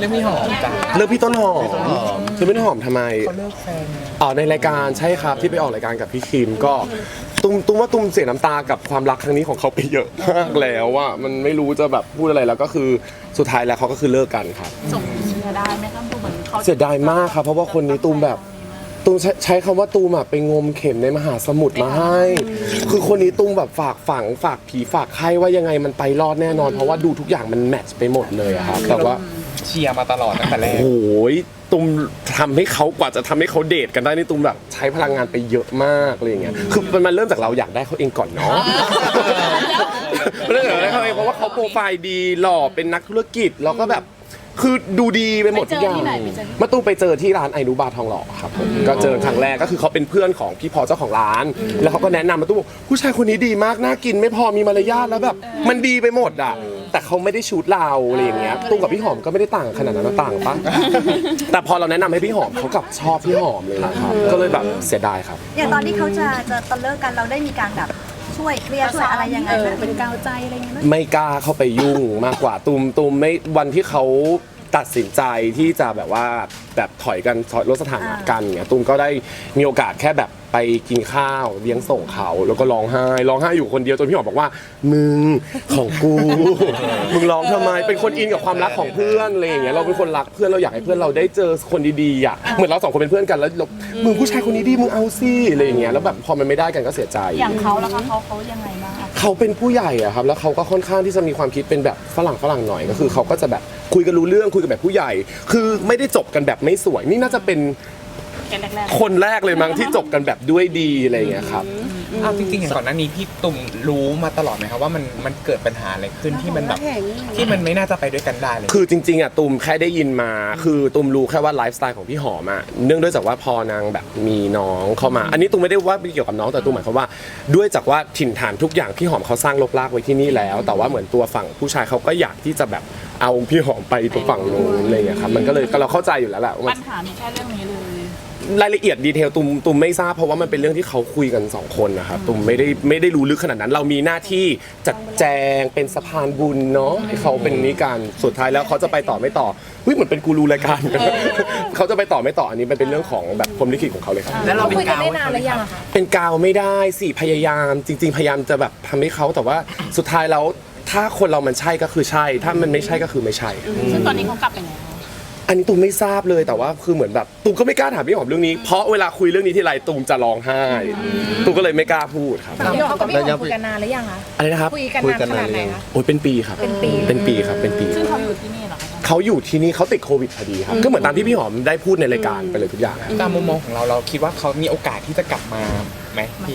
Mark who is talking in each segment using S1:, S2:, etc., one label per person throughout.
S1: รื่องพี่หอมจ้ะ
S2: เลือกพี่ต้นหอมเลือกพี่ต้นหอมทำไม
S1: เขาเลิกแฟน
S2: ในรายการใช่ครับที่ไปออกรายการกับพี่คิมก็ตุ้มว่าตุ้มเสียน้ำตากับความรักครั้งนี้ของเขาไปเยอะมากแล้วว่ามันไม่รู้จะแบบพูดอะไรแล้วก็คือสุดท้ายแล้วเขาก็คือเลิกกันครับ
S3: ส่งเชียร์ได้ไหมครับดูเหมือนเขา
S2: เสียดายมากครับเพราะว่าคนนี้ตูมแบบตูมใช้คำว่าตูมอะไปงมเข็มในมหาสมุทรมาให้คือคนนี้ตูมแบบฝากฝังฝากผีฝากไข้ว่ายังไงมันไปรอดแน่นอนเพราะว่าดูทุกอย่างมันแมทช์ไปหมดเลยอะครับแต่ว่า
S1: เชียร์มาตลอดตั้งแต่แรก
S2: โอ้ยตูมทำให้เขากว่าจะทำให้เขาเดทกันได้นี่ตูมแบบใช้พลังงานไปเยอะมากอะไรอย่างเงี้ยคือมันเริ่มจากเราอยากได้เขาเองก่อนเนาะเริ่มจากเราได้เขาเองเพราะว่าเขาโปรไฟล์ดีหล่อเป็นนักธุรกิจแล้วก็แบบคือดูดีไปหมดทุกอย่างมาตูมไปเจอที่ร้านไอนุบาทองหล่อครับผมก็เจอครั้งแรกก็คือเขาเป็นเพื่อนของพี่พอเจ้าของร้าน แล้วเขาก็แนะนำมาตูมบอกผู้ชายคนนี้ดีมากน่ากินไม่พอมีมารยาทแล้วแบบมันดีไปหมดอ่ะแต่เขาไม่ได้ชูดเราอะไรอย่างเงี้ยตูมกับพี่หอมก็ไม่ได้ต่างขนาดนั้นนะต่างปะแต่พอเราแนะนำให้พี่หอมเขากลับชอบพี่หอมเลยนะครับก็เลยแบบเสียดายครับ
S4: อย่างตอนที่เขาจะตอนเลิกกันเราได้มีการแบบช่วยเคลียร์ช่วยอะไรยังไงไหมเป็นกาวใจอะไรอย่างเงี้ยไหม
S2: ไม่กล้าเข้าไปยุ่งมากกว่าตูมไม่วันที่เขาตัดสินใจที่จะแบบว่าแบบถอยกันลดสถานะกันเงี้ยตูมก็ได้มีโอกาสแค่แบบไปกินข้าวเลี้ยงส่งเขาแล้วก็ร้องไห้อยู่คนเดียวจนพี่หอมบอกว่ามึงของกู มึงร้องทำไมเป็นคนอินกับความรักของเพื่อนอะไรอย่างเงี้ยเราเป็นคนรักเพื่อนเราอยากให้เพื่อนเราได้เจอคนดีๆอ่ะเหมือนเราสองคนเป็นเพื่อนกันแล้วมึงผู้ชายคนนี้ดีมึงเอาสิอะไรอย่างเงี้ยแล้วแบบพอมันไม่ได้กันก็เสียใจ
S3: อย่างเขาแล้วเขายังไงบ้าง
S2: เขาเป็นผู้ใหญ่อะครับแล้วเขาก็ค่อนข้างที่จะมีความคิดเป็นแบบฝรั่งหน่อยก็คือเขาก็จะแบบคุยกันรู้เรื่องคุยกันแบบผู้ใหญ่ คือไม่ได้จบกันแบบไม่สวยนี่น่าจะเป็น
S3: แรก
S2: คนแรกเลยมั้งที่จบกันแบบด้วยดีอะไรอย่างเงี้ยครับ
S1: เอาจริงๆอย่างก่อนหน้านี้พี่ตุ่มรู้มาตลอดไหมครับว่ามันเกิดปัญหาอะไรขึ้นที่มันแบบที่มันไม่น่าจะไปด้วยกันได้เลย
S2: คือจริงๆอะตูมแค่ได้ยินมาคือตูมรู้แค่ว่าไลฟ์สไตล์ของพี่หอมอะเนื่องด้วยจากว่าพอนางแบบมีน้องเข้ามา อันนี้ตูมไม่ได้ว่าเกี่ยวกับน้องแต่ตูมหมายความว่าด้วยจากว่าถิ่นฐานทุกอย่างพี่หอมเขาสร้างลกลากไว้ที่นี่แล้ว แต่ว่าเหมือนตัวฝั่งผู้ชายเขาก็อยากที่จะแบบเอาพี่หอมไปตรงฝั่งนู้นอะไรอย่างเงี้ยครับมันก็เลยเราเข้าใจอยู่แล้วแหละ
S3: ๆ
S2: ว่า
S3: ปัญหามีแค่เรื่องนี้เลย
S2: รายละเอียดดีเทลตุมไม่ทราบเพราะว่ามันเป็นเรื่องที่เขาคุยกัน2คนนะครับตุมไม่ได้รู้ลึกขนาดนั้น เรามีหน้าที่จัดแจงเป็นสะพานบุญเนาะให้เขาเป็นนิการสุดท้ายแล้วเขาจะไปต่อไม่ต่อเฮ้ยเหมือนเป็นกูรูรายการ เขาจะไปต่อไม่ต่ออันนี้มันเป็นเรื่องของแบบพรหมลิขิตของเขาเลยครับ
S1: แล้วเราเป็น
S5: คุยกัน
S1: กาว
S5: ได้นานหรือยังอะคะ
S2: เป็นกาวไม่ได้สิพยายามจริง ๆ พยายามจะแบบทำให้เขาแต่ว่าสุดท้ายแล้วถ้าคนเรามันใช่ก็คือใช่ ถ้ามันไม่ใช่ก็คือไม่ใช่
S3: ซึ่งตอนนี้เขากลับไปแล้ว
S2: อันนี้ตูมไม่ทราบเลยแต่ว่าคือเหมือนแบบตูมก็ไม่กล้าถามพี่หอมเรื่องนี้เพราะเวลาคุยเรื่องนี้ที่ไรตูมจะร้องไห้ตูมก็เลยไม่กล้าพูดครับ
S5: พี่หอมกับพี่หอมคุยกันนานหรือยังคะ
S2: อะไรนะครับ
S5: คุยกันนานขนาดไหนคะ
S2: โอ้ยเป็นปีครับ
S5: เป็นปี
S2: เป็นปีครับเป็นปี
S3: ซึ่งเขาอยู่ที่นี่เหรอคะ
S2: เขาอยู่ที่นี่เขาติดโควิดพอดีครับก็เหมือนตามที่พี่หอมได้พูดในรายการไปเลยทุกอย่างครับ
S1: ตามมุมมองของเราคิดว่าเขามีโอกาสที่จะกลับมาไหมพี่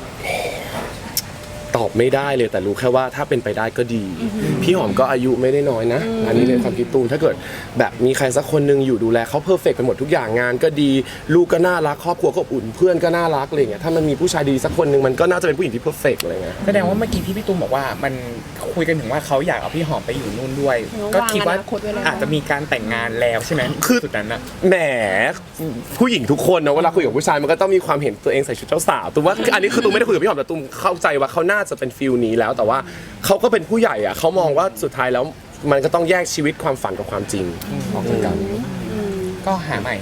S2: ตอบไม่ได้เลยแต่รู้แค่ว่าถ้าเป็นไปได้ก็ดี พี่หอมก็อายุไม่ได้น้อยนะ อันนี้ในความคิดตูมถ้าเกิดแบบมีใครสักคนหนึงอยู่ดูแลเขาเพอร์เฟกต์ไปหมดทุกอย่างงานก็ดีลูกก็น่ารักครอบครัวก็อบอุ่นเพื่อนก็น่ารักอะไรเงี้ยถ้ามันมีผู้ชายดีสักคนหนึงมันก็น่าจะเป็นผู้หญิงที่เพอร์เฟกต์อะไรเงี้ย
S1: แสดงว่าเมื่อกี้ที่พี่ตุ้มบอกว่ามันคุยกันถึงว่าเขาอยากเอาพี่หอมไปอยู่นู่นด้วย ก็คิดว่าอาจจะมีการแต่งงานแล้วใช่ไหม
S2: คือ
S1: สุดนั้นอะ
S2: แหมผู้หญิงทุกคนนะเวลาคุยกับผู้ชายมันก็ต้องมีความเห็นตัวเองใส่ชุดเจ้าสาวตูมว่าอันนี้คือตูมไม่ได้คุยกับพี่หอมแต่ตูมเข้าใจว่าเขาน่าจะเป็นฟิลนี้แล้วแต่ว่าเขาก็เป็นผู้ใหญ่อะเขามองว่าสุดท้ายแล้วมันก็ต้องแยกชีวิตความฝันกับความจริงออกจากกัน
S1: ก็หาใหม่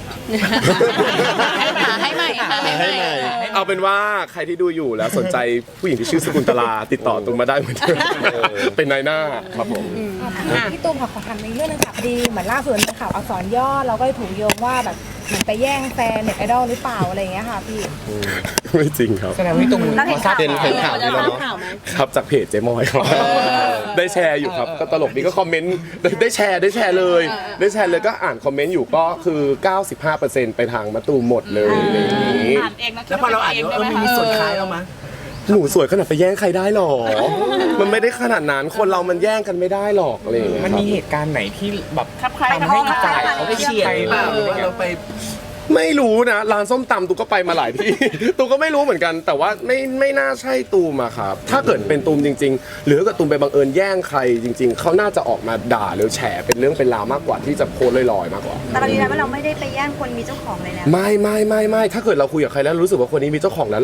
S3: ให้ใหม่
S2: เอาเป็นว่าใครที่ดูอยู่แล้วสนใจผู้หญิงที่ชื่อสกุลตลาติดต่อตูมมาได้เหมือนเดิมเป็นนายหน้าครับผม
S5: พี่ตูมขอถามในเรื่องนึงค่ะพอดีเหมือนล่าสุดเป็นข่าวอักษรย่อเราก็เลยถูกโยงว่าแบบเหมือนไปแย่งแฟนเน็ตไอดอลหรือเปล่าอะไรอย่างเงี้ยค่ะพี่
S2: ไม่จริงครับ
S1: แสดงว่าพี่ตุ้มพอทราบ
S4: เห็นข่าว
S1: นี้แล้วเนาะ
S2: ครับจากเพจเจมอยครับได้แชร์อยู่ครับก็ตลกดีก็คอมเมนต์ได้แชร์เลยก็อ่านคอมเมนต์อยู่ก็คือ 95%ไปทางมะตูมหมดเลยอย่างนี้
S3: อ่านเองแล้ว
S6: แล้วพอเราอ่านว่ามันมีส่วนคล้ายเรามั้ย
S2: หนูสวยขนาดไปแย่งใครได้หรอ มันไม่ได้ขนาดนั้นคนเรามันแย่งกันไม่ได้หรอกอะไรอย่างเงี้ย
S1: มันมี
S2: ครับ
S1: เหตุการณ์ไหนที่แบบ
S3: ครับใคร
S1: ทำให้อีกฝ่าย
S6: เขาไปเชียร์หรือเปล่าหรือว่าเราไป
S2: ไม่รู้นะร้านส้มตำตูก็ไปมาหลายที่ ตูก็ไม่รู้เหมือนกัน แต่ว่าไม่น่าใช่ตูมอะครับถ้าเกิดเป็นตูมจริง ๆ หรือถ้าเกิดตูมไปบังเอิญแย่งใครจริง ๆเขาน่าจะออกมาด่าหรือแฉเป็นเรื่องเป็นราวมากกว่าที่จะโพสต์ลอยๆมากกว่า
S4: แต่เรายืนยันว่าเราไม่ได้ไปแย่งคนมีเจ้าของเลยนะ
S2: ไม่ถ้าเกิดเราคุยกับใครแล้วรู้สึกว่าคนนี้มีเจ้าของแล้วเรา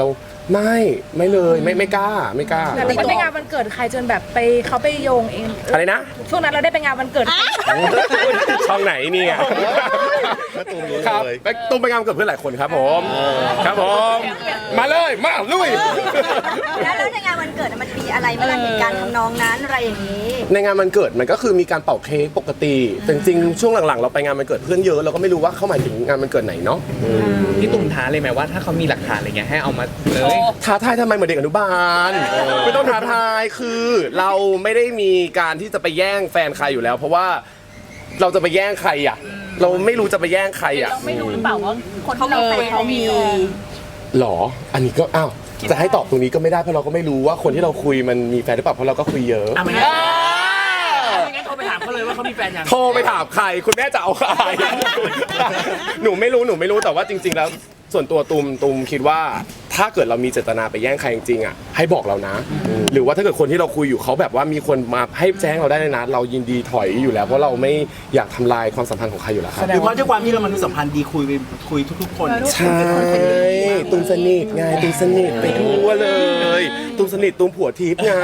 S2: ไม่เลยไม่กล้า
S5: แต่ไปงานวันเกิดใครจนแบบเขาไปโยงเอง
S2: อะไรนะ
S5: ช่วงนั้นเราได้ไปงานวันเกิด
S2: ช่องไหนเนี่ย
S7: ตูมรู้
S2: ครับ
S7: เลย
S2: ไปตุ้มไปงานวันเกิดเพื่อนหลายคนครับผมครับผมมาเลยมาลุย
S4: แล้วในงานวันเกิดมันมีอะไรไหมล่ะเหตุการณ์ทำนองนั้นอะไรอย่างนี้
S2: ในงานวันเกิดมันก็คือมีการเป่าเค้กปกติแต่จริงๆช่วงหลังๆเราไปงานวันเกิดเพื่อนเยอะเราก็ไม่รู้ว่าเขาหมายถึงงานวันเกิดไหนเนาะ
S1: พี่ตุ่มท้าเลยไหมว่าถ้าเขามีหลักฐานอะไรเงี้ยให้เอามาเลย
S2: ท้าทายทำไมเหมือนเด็กอนุบาลไม่ต้องท้าทายคือเราไม่ได้มีการที่จะไปแย่งแฟนใครอยู่แล้ว เพราะว่าเราจะไปแย่งใครอ่ะเราไม่รู้จะไปแย่งใครอ่ะ
S3: เราไม่รู้หรือเปล่าว่าคนที่เราแฟนเขามี
S2: หรออันนี้ก็อ้าวจะให้ตอบตรงนี้ก็ไม่ได้เพราะเราก็ไม่รู้ว่าคนที่เราคุยมันมีแฟนหรือเปล่าเพราะเราก็คุยเยอะ
S6: ไม่งั้นโทรไปถามเขาเลยว่าเขามีแฟนยัง
S2: โทรไปถามใครคุณแม่จะเอาใคร หนูไม่รู้แต่ว่าจริง ๆ แล้วส่วนตัวตูมคิดว่าถ้าเกิดเรามีเจตนาไปแย่งใครจริงๆอ่ะให้บอกเรานะ หรือว่าถ้าเกิดคนที่เราคุยอยู่เขาแบบว่ามีคนมาให้แจ้งเราได้เลยนะเรายินดีถอยอยู่แล้วเพราะเราไม่อยากทำลายความสัมพันธ์ของใครอยู่แล้วครับ
S6: หรือเพราะด้วยความที่เรามันมีสัมพันธ์ดีคุยทุกๆคน
S2: ใช่ตูมสนิทไงตูมสนิทไปทั่วเลยตูมสนิทตูมผัวทิพย์ไง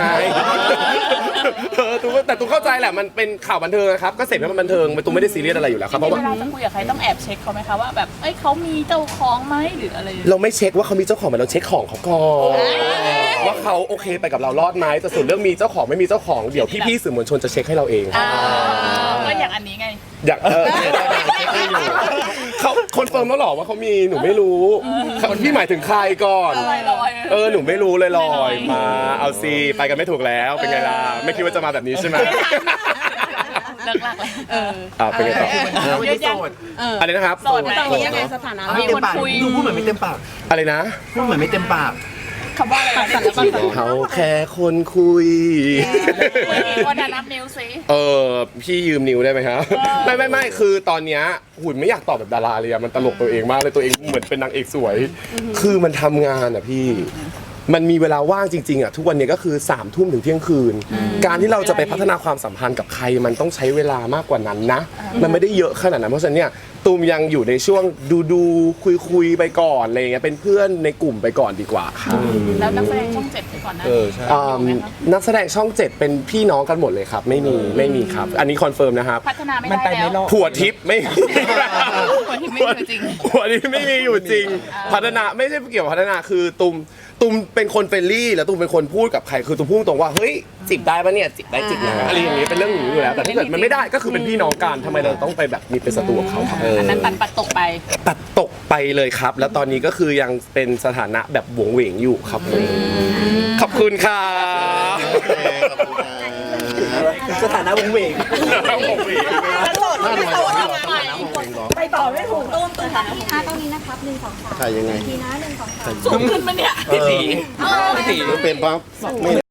S2: ตูมแต่ตูมเข้าใจแหละมันเป็นข่าวบันเทิงนะครับก็เสพให้มันบันเทิงตูมไม่ได้ซีเรียสอะไรอยู่แล้วครับเพราะ
S3: เว
S2: ว่า
S3: ลาจะคุยกับใครต้องแอบเช็คเขาไหมคะว่าแบบเอ้ยเขามีเจ้าของไหมหรืออะไร
S2: เราไม่เช็คว่าเขามีเจ้าของไหมเราเช็คของเขาก่อนว่าเขาโอเคไปกับเรารอดไหมแต่ส่วนเรื่องมีเจ้าของไม่มีเจ้าของเดี๋ยวพี่ๆสื่อมวลชนจะเช็คให้เราเอง
S3: ก็อย่างอันนี้ไง
S2: อยากเขาคอนเฟิร์มแล้วหรอว่าเขามีหนูไม่รู้พี่หมายถึงใครก่อน
S3: ลอยๆ
S2: หนูไม่รู้เลยลอยมาเอาซีไปกันไม่ถูกแล้วเป็นไงล่ะไม่คิดว่าจะมาแบบนี้ใช่ไหม
S3: เลิกลักเลย
S2: เป็นไงต่อ
S6: เราไม่ได้โสด
S2: อะไรนะครับ
S3: โสดไหม
S4: ตอนนี้ยังไงสถานะ
S6: ไม่เต็มปากดูพูดเหมือนไม่เต็มปาก
S2: อะไรนะ
S6: พูดเหมือนไม่เต็มปาก
S3: คำว่าอะไรนะ
S2: เขาแค่คนคุย
S3: วันนั้นนับนิ้วสิ
S2: พี่ยืมนิ้วได้ไหมครับ ไม่คือตอนเนี้ยหุ่นไม่อยากตอบแบบดาราเลยอะมันตลกตัวเองมากเลยตัวเองเหมือนเป็นนางเอกสวย คือมันทำงานอะพี่ มันมีเวลาว่างจริงๆอะทุกวันนี้ก็คือ3 ทุ่มถึงเที่ยงคืน การที่เราจะไปพัฒนาความสัมพันธ์กับใครมันต้องใช้เวลามากกว่านั้นนะ มันไม่ได้เยอะขนาดนั้นเพราะฉะนั้นเนี่ยตูมยังอยู่ในช่วงดูคุยไปก่อนอะไรเงี้ยเป็นเพื่อนในกลุ่มไปก่อนดีกว่าค่ะ
S3: แล้วนักแสดงช่อง7ไปก่อนนะ
S2: นักแสดงช่อง 7 เป็นพี่น้องกันหมดเลยครับไม่มีครับ อันนี้คอนเฟิร์มนะครับ
S3: พัฒนาไม่
S1: มัน
S3: ได้
S1: ไปไม่ร
S3: แล้ว
S1: อด
S2: ผัวทิพย์ไม่มี
S3: ผัวทิพย์ไม่มีอยู่จริง
S2: ผัวทิพย์ไม่มีอยู่จริง พัฒนาไม่ใช่เกี่ยวกับพัฒนาคือตุมเป็นคนเฟรนลี่แล้วตุมเป็นคนพูดกับใครคือตุมพูดตรงว่าเฮ้ยจีบได้ปะเนี่ยจีบได้จีบนะอะไรอย่างนี้เป็นเรื่องอย่างนี้อยู่แล้วแต่ถ้าเกิดมันไม่ได้ก็คือเป็นพี่น้องกันทำไมเราต้องไปแบบมีเป็นศัตรูกับเขาครับ
S3: อันนั้นปัดตกไป
S2: ตัดตกไปเลยครับ แล้วตอนนี้ก็คือยังเป็นสถานะแบบหวงเหวงอยู่ครับผมขอบคุณค่ะ
S6: สถานะวงเวง
S4: ไปต่อไม่ถูกตูมค่ะที่5ตรงนี้นะครับ1 2 3
S7: ถ่ายยังไง
S4: ทีนะ1 2 3
S3: สูงขึ้นไหมเนี่ย
S1: พี่ตี
S7: เป็นปั๊บไม่